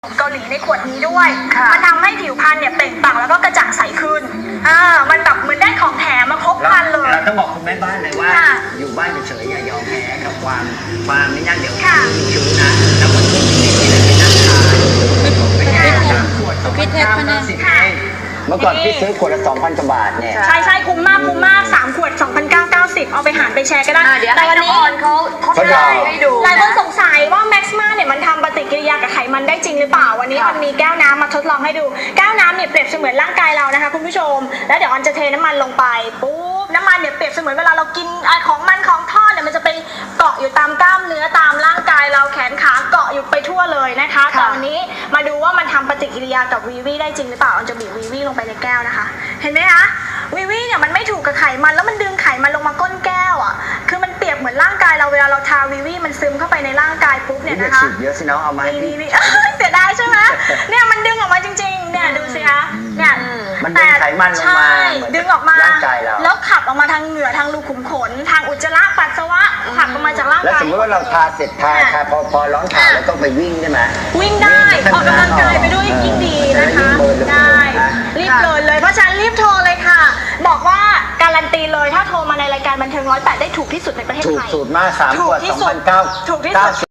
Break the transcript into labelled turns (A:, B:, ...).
A: เกาหลีในขวดนี้ด้วยมันทำให้ผิวพรรณเนี่ยเปล่งปลั่งแล้วก็กระจ่างใสขึ้นมันแบบเหมือนได้ของแถมมาครบครันเลย
B: เราต้องบอกคุณแม่บ้านเลยว่าอยู่บ้านเฉยๆอย่ายอมแพ้กับความไม่นั่นเดี๋ยวชื้นนะแล้วก็ช่วงนี้เป็นนักทานเป็น3 ขวด2,990เมื่อก่อนพี่ซื้อขวดละ 2,000 กว่าบาทเนี่ย
A: ใช่คุ้มมาก3 ขวด 2,990เอาไปหารไปแชร์ก็ได้
C: แต่วันนี้เขาทดลองให้ดู
A: หลายคนสงสัยว่าแม็กซ์มาเนี่ยมันทำปฏิกิริยากับไขมันได้จริงหรือเปล่าวันนี้มันมีแก้วน้ำมาทดลองให้ดูแก้วน้ำเนี่ยเปรียบเสมือนร่างกายเรานะคะคุณผู้ชมแล้วเดี๋ยวอันจะเทน้ำมันลงไปปุ๊บน้ำมันเนี่ยเปรียบเสมือนเวลาเรากินของมันของทอดเนี่ยมันจะไปเกาะอยู่ตามกล้ามเนื้อตามร่างกายเราแขนขาเกาะอยู่ไปทั่วเลยนะคะแต่วันนี้มาดูว่ามันทำปฏิกิริยากับวีวีได้จริงหรือเปล่าอันจะบีบวีวีลงไปในแก้วนะคะเห็นไหมคะวีวีเนี่ยมันไม่ถูกกับไขมันแล้วมันดึงไขมันลงมาก้นแก้วอ่ะคือมันเปรียบเหมือนร่างกายเราเวลาเราทาวีวีมันซึมเข้าไปในร่างกายปุ๊บเนี่ยนะคะ
B: เยอะสิน้องเอามาให้พี่
A: เสียดายใช่ไหมเนี่ยมันดึงออกมาจริงๆเนี่ยดูสิคะเนี่ย
B: มันดึงไขมันลงมา
A: ดึงออกมา
B: ร่างกายเรา
A: แล้วขับออกมาทางเหงื่อทางรูขุมขนทางอุจจาระปัสสาวะขับออกมาจากร่างกาย
B: แล้วสมมติว่าเราทาเสร็จทาพอร้อนขาแล้วต้องไปวิ่งได้ไหม
A: วิ่งได้ออกกำลังกายไปด้วยยิ่งดีนะคะได้รีบเลยเพราะฉะนั้นรีบโทรเลยค่ะบอกว่าการันตีเลยถ้าโทรมาในรายการบันเทิง108ได้ถูกที่สุดในประเทศไทย
B: ถูกสุดมาก3 ขวด 2,990